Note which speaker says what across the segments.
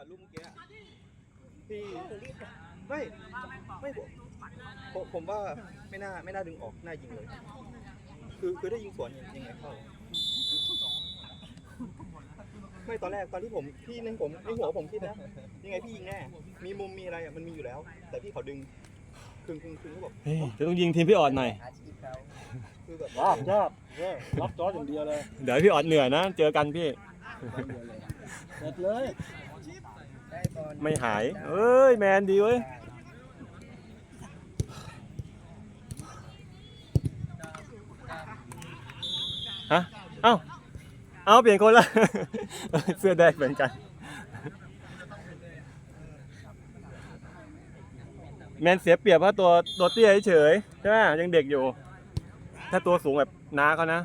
Speaker 1: ะลูกเมื่อกี้พี่ไม่ผมว่าไม่น่าดึงออกน่ายิงเลยคือได้ยิงสวนยังไงเข้าไม่ตอนที่พี่ในหัวผมคิดนะยังไงพี่ยิงแน่มีมุมมีอะไรมันมีอยู่แล้วแต่พี่เขาดึงคึงก็บอก
Speaker 2: จะต้องยิงทีมพี่ออดหน่อย
Speaker 1: คือแบบ
Speaker 3: ยากรับจออย่างเดียวเลย
Speaker 2: เดี๋ยวพี่ออดเหนื่อยนะเจอกันพี่
Speaker 3: เสร็จเลย
Speaker 2: ไม่หายเอ้ยแมนดีเว้ยฮะเอาเปลี่ยนคนละเสื้อแดงเหมือนกันแมนเสียเปรียบเพราะตัวเตี้ยเฉยใช่ไหมยังเด็กอยู่ถ้าตัวสูงแบบน้าเขานะ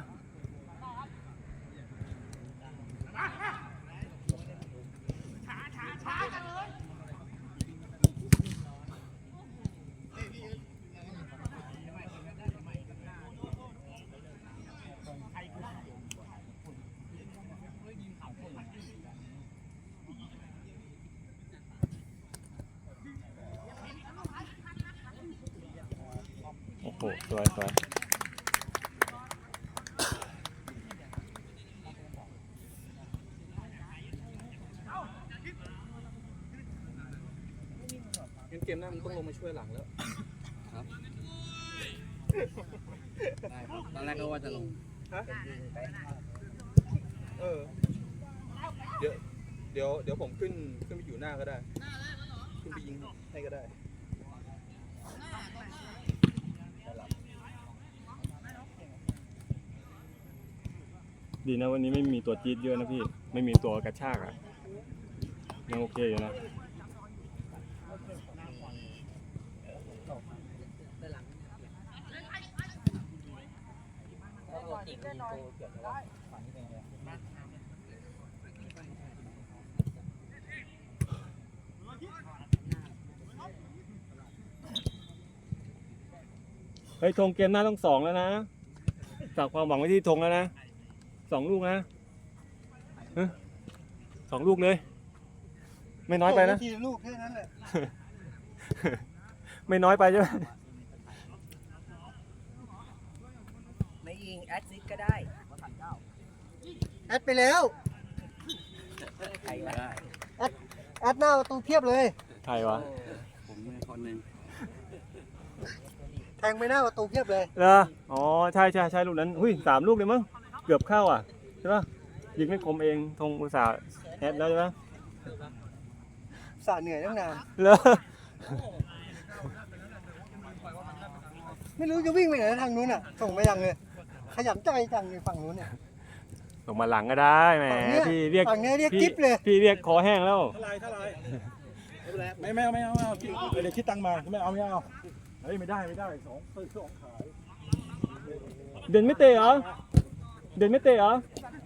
Speaker 2: โอ้โหสวย
Speaker 1: เกมหน้ามันต้องลงมาช่วยหลังแล้ว
Speaker 4: ครับได้ครับตอนแรกก็ว่าจะลง
Speaker 1: เดี๋ยวผมขึ้นไปอยู่หน้าก็ได้ขึ้นไปยิงให้ก็ได้
Speaker 2: ดีนะวันนี้ไม่มีตัวจี๊ดเยอะนะพี่ไม่มีตัวกระชากอ่ะยังโอเคอยู่นะเฮ้ยธงเกมหน้าต้อง2แล้วนะฝากความหวังไว้ที่ธงแล้วนะ2 ลูกนะ2 ลูกเลยไม่น้อยไปนะ
Speaker 3: ทีลูกแค่นั้นแหละ
Speaker 2: ไม่น้อยไปใช่ไหม
Speaker 4: ไม่ยิงแอดซิสก็ได้
Speaker 3: แอดไปแล้ว
Speaker 4: ใครก็ได้
Speaker 3: แอดหน้าประตูเพียบเลย
Speaker 2: ใครวะ
Speaker 4: ผมคนหนึ่ง
Speaker 3: แทงไปหน้าประตูเพียบเลย
Speaker 2: เหรออ๋อใช่ลูกนั้นหุ้ย3 ลูกเลยมั้งเกือบเข้าอ่ะใช่ปะยิงไม่คมเองธงอุตส่าห์แอดแล้วใช่ไหม
Speaker 3: สาเหนื่อยตั้งนาน
Speaker 2: เหรอ
Speaker 3: ไม่รู้จะวิ่งไปไหนทางนู้นอ่ะส่งไปยังเลยขยันใจจังในฝั่งนู้นเนี่ย
Speaker 2: ส่งมาหลังก็ได้แหมพี่เรียก
Speaker 3: ฝั่งนี้เรียกจิ๊บเลย
Speaker 2: พี่เรียกคอแห้งแล้ว
Speaker 3: เท่าไรไม่เอาเดี๋ยวคิดตังมาไม่เอาเฮ้ยไม่ได้2ขาย
Speaker 2: เด่นไม่เตะเหรอเล่นได้ป่ะ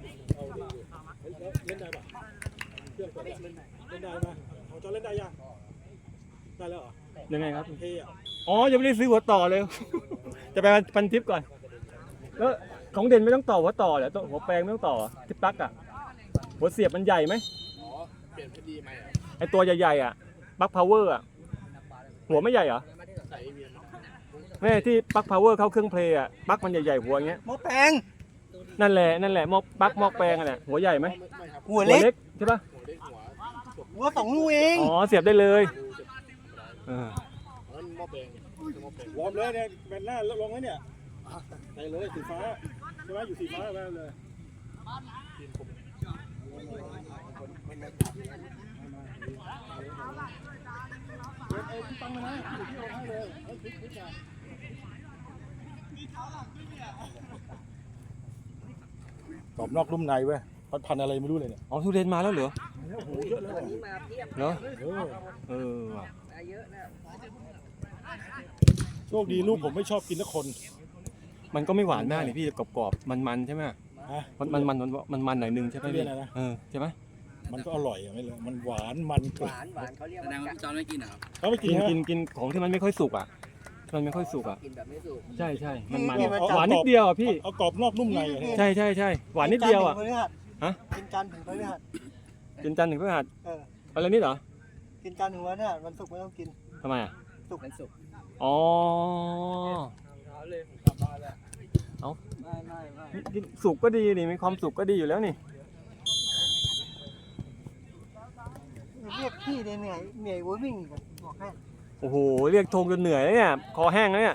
Speaker 2: เครื่องเล่นได้ป่ะของจอเล่นได้ยังได้แล้วเหรอยังไงครับเท่อ๋อยังไม่ได้ซื้อหัวต่อเลยจะไปพันทิปก่อนแล้วของเด่นไม่ต้องต่อหัวต่อเหรอหัวแปลงไม่ต้องต่อที่ปลั๊กอ่ะหัวเสียบมันใหญ่ไหม
Speaker 1: อ๋อเปลี่ยนพอดีไหม
Speaker 2: ไอตัวใหญ่ๆอ่ะปลั๊กพาวเวอร์อ่ะหัวไม่ใหญ่เหรอแม่ที่ปลั๊กพาวเวอร์เข้าเครื่องเพลย์อ่ะปลั๊กมันใหญ่ๆหัวอย่างเงี้ย
Speaker 3: หม้อแปลง
Speaker 2: นั่นแหละหม้อปลั๊กหม้อแปลงอ่ะเนี่ยหัวใหญ่ไหม
Speaker 3: หัวเล็ก
Speaker 2: ใช่ปะ
Speaker 3: หัว2 ลูกเอง
Speaker 2: อ๋อเสียบได้เลยว
Speaker 3: อร์มเลยเนี่ยแบนหน้าลงแล้วเนี่ยไปเลยสีฟ้าใช่ไหมอยู่สีฟ้าไปเลยตั้งมานะที่เอาให้เลยกรอบนอกนุ่มในเว้ยพันอะไรไม่รู้เลยเนี่ย
Speaker 2: อ๋อทุเรียนมาแล้วเหรอ
Speaker 3: โอ้โหเยอะเลย
Speaker 4: วันนี้มาเพียบ
Speaker 2: เหรอ
Speaker 4: เยอะนะ
Speaker 3: โชคดีลูกผมไม่ชอบกินทุกคน
Speaker 2: มันก็ไม่หวานมากเลยพี่กรอบๆมันใช่ไหมมันหน่อยนึงใช่ไหมพี่ใช่ไหม
Speaker 3: มันก็อร่อยไม่เลยมันหวาน
Speaker 4: เขาเรียกว่าจอนไม่กินเหรอ
Speaker 3: เขาไม่
Speaker 2: กินของที่มันไม่ค่อยสุกอ่ะมันไม่ค่อยสุกอ่ะ
Speaker 4: กินแบบไม่สุก
Speaker 2: ใช่มันหวานนิดเดียวอ่ะพี่
Speaker 3: เอากรอบนอกนุ่มใน
Speaker 2: ใช่หวานนิดเดียวอ่ะ
Speaker 3: ฮะกินจันทร์ถึงพฤหัส
Speaker 2: กินจันทร์ถึงพฤหัสอะไรนี่เหรอ
Speaker 5: กินจานหนึ่งวันเนี่ยวันศุกร์ไม่ต้องกิน
Speaker 2: ทำไมอ่ะ
Speaker 4: เป็นสุก
Speaker 2: อ๋อ
Speaker 5: ไม่
Speaker 2: กินสุกก็ดีนี่มีความสุขก็ดีอยู่แล้วนี่
Speaker 5: เรียกพี่เนี่ยเหนื่อยวัววิ่งอีกอะบอกให้
Speaker 2: โอ้โหเรียกธงจนเหนื่อยแล้วเนี่ยคอแห้งแล้วเนี่ย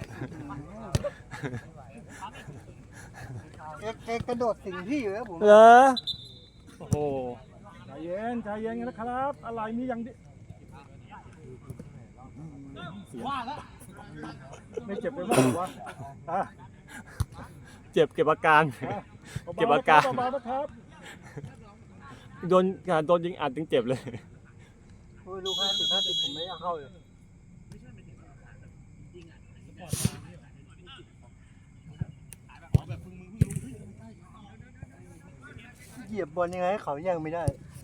Speaker 5: แกกระโดดสิงพี่อยู่แล้วผม
Speaker 2: เหรอโอ้โห
Speaker 3: ใจเย็นนะครับ อะไรมีอย่างดิไม่เจ็บเลยมั้งวะอ่ะ
Speaker 2: เจ็บอาการ เก็บอาการ
Speaker 3: เบาๆนะครับ
Speaker 2: โดนยิงอัดถึงเจ็บเลย
Speaker 5: โอ้ยลูก50ผมไม่อยากเข้าเลยเหยียบบอลยังไงให้เขายังไม่ได้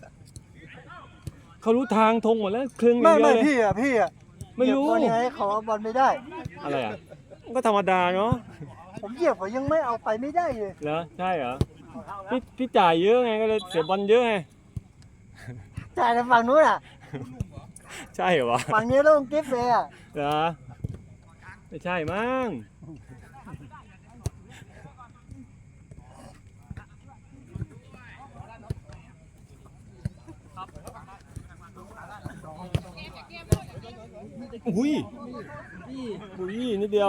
Speaker 2: เขารู้ทางธงหมดแล้วครึ่งอ
Speaker 5: ไม่
Speaker 2: ย่างเดียวเลย
Speaker 5: พี่อะ
Speaker 2: ไม่รู้
Speaker 5: เหยียบบอลยังไงให้เขาเอาบอลไม่ได้
Speaker 2: อะไรอ่ะก็ธรรมดาเนาะ
Speaker 5: ผมเหยียบเขายังไม่เอาไปไม่ได้เลย
Speaker 2: เหรอใช่เหรอพี่จ่ายเยอะไงก็เลยเสียบอลเยอะไง
Speaker 5: จ่ายในฝั่งนู้นอ่ะ
Speaker 2: ใช่เหรอวะ
Speaker 5: ฝั่งนี้ต้องเก็บเลยอ่ะ
Speaker 2: เหรอไม่ใช่มั้งอุ้ยนิดเดียว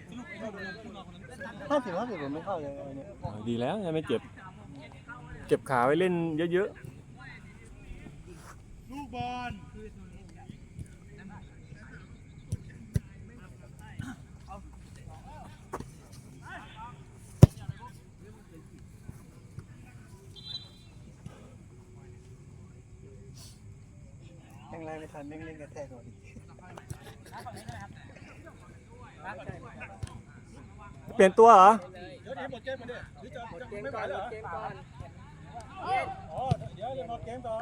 Speaker 5: 50ผมไม่เข้าเลยเนี่ย
Speaker 2: ดีแล้วยังไม่เจ็บ เก็บขาไว้เล่นเยอะ
Speaker 5: แรงไม่ทันแม่งเล่นกระแทกก่อน
Speaker 2: ๆ เปลี่ยนตัวเหรอ
Speaker 3: เดี๋ยวหมดเกมมาดิหรือจะ
Speaker 4: เกม
Speaker 3: ไม่ไหว
Speaker 4: ก่อน
Speaker 3: เหรอ
Speaker 4: เกมก่อน
Speaker 3: อ๋อเดี๋ยวหมดเกมก่อน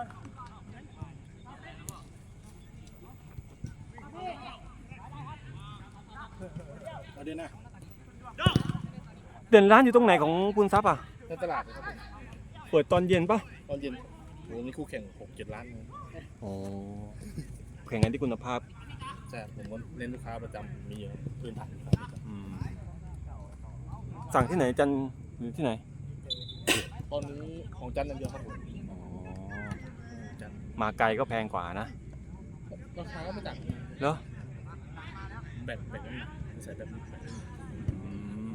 Speaker 3: เอาเดี๋ยวนะ
Speaker 2: เด่นร้านอยู่ตรงไหนของปุณทรัพย์อ่ะ
Speaker 3: ในตลาดนะครับผม
Speaker 2: เปิดตอนเย็นปะ
Speaker 3: ตอนเย็นโหมีคู่แข่ง 6-7 ล้านเลย
Speaker 2: อ๋อแข่งกันที่คุณภาพ
Speaker 3: ใช่ผมก็เน้นลูกค้าประจำมีเยอะพื้นฐานลูกค้าประจ
Speaker 2: อืมสั่งที่ไหนจันหรือที่ไหน
Speaker 3: ำตอนนี้ของจันทร์อย่างเดียวครับผม
Speaker 2: อ๋อ
Speaker 3: จันทร์
Speaker 2: มาไกลก็แพงกว่านะ
Speaker 3: ราคาก็ไม่ต่าง
Speaker 2: เหรอ
Speaker 3: แบ่งน้ำหนักใส่แบบนี้
Speaker 2: อืม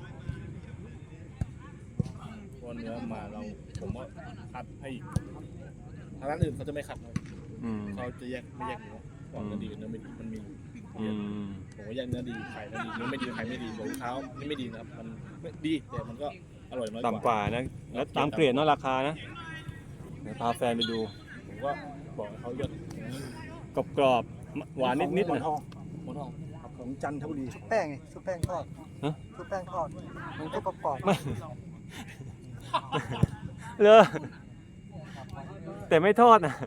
Speaker 3: เพราะเนื้อมาผมว่าคัดให้อีกทางร้านอื่นเขาจะไม่คัดเลย
Speaker 2: อืม
Speaker 3: เขาจะไม่แยกเนื้อว่าเนื้อดีกับเนื้อไม่ดีมันมี
Speaker 2: อืม
Speaker 3: ผมว่าแยกเนื้อดีไข่เนื้อดีเนื้อไม่ดีไข่ไม่ดีของเท้านี่ไม่ดีนะครับมันดีแต่มันก็อร่อยน้อย
Speaker 2: ต่ำกว่านะ แล้วตามเกรดเนาะราคานะ เดี๋ยวพาแฟนไปดู
Speaker 3: ผมก็บอกให้เขาเลือก
Speaker 2: กรอบๆหวานนิดๆ
Speaker 3: หมอ
Speaker 2: นะ
Speaker 3: นทองของจันทบุรี
Speaker 5: ชุบแป้งไงชุบแป้งทอด
Speaker 2: ฮะ
Speaker 5: ชุบแป้งทอดมันก็กรอบ
Speaker 2: ไม่ เลยแต่ไม่ทอดนะ